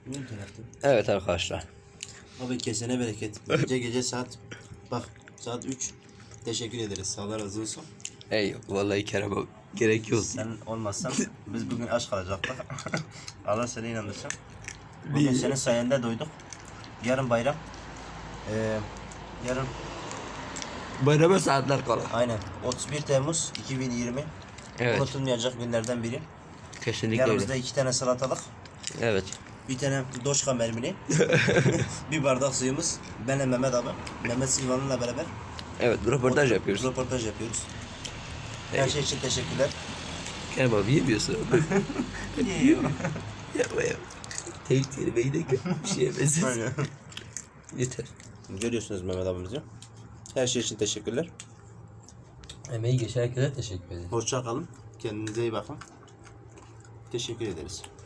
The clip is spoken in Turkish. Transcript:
Evet arkadaşlar. Abi kesene bereket. Gece saat bak saat 3. Teşekkür ederiz. Allah razı olsun. Ey vallahi Kerem gerek yok. Sen olmazsan biz bugün aç kalacaktık. Allah seni inandırsın. Bugün senin sayende doyduk. Yarın bayram. Yarın Bayrama saatler kala. aynen 31 Temmuz 2020. Evet. Unutulmayacak günlerden biri. Kesinlikle Yanımızda öyle. 2 tane salatalık. Evet. Bir tane doşka mermini. Bir bardak suyumuz. Benle Mehmet abi. Mehmet Silvan'la beraber. Evet röportaj yapıyoruz. Röportaj yapıyoruz. Her şey için teşekkürler. Kerem abi yemiyorsun. Yiyorum. Yapma ya. Tek kelimeyi de bir şey yemezsin. Aynen. Yeter. Görüyorsunuz Mehmet abimizi. Her şey için teşekkürler. Emeği geçen herkese teşekkür ederim. Hoşça kalın. Kendinize iyi bakın. Teşekkür ederiz.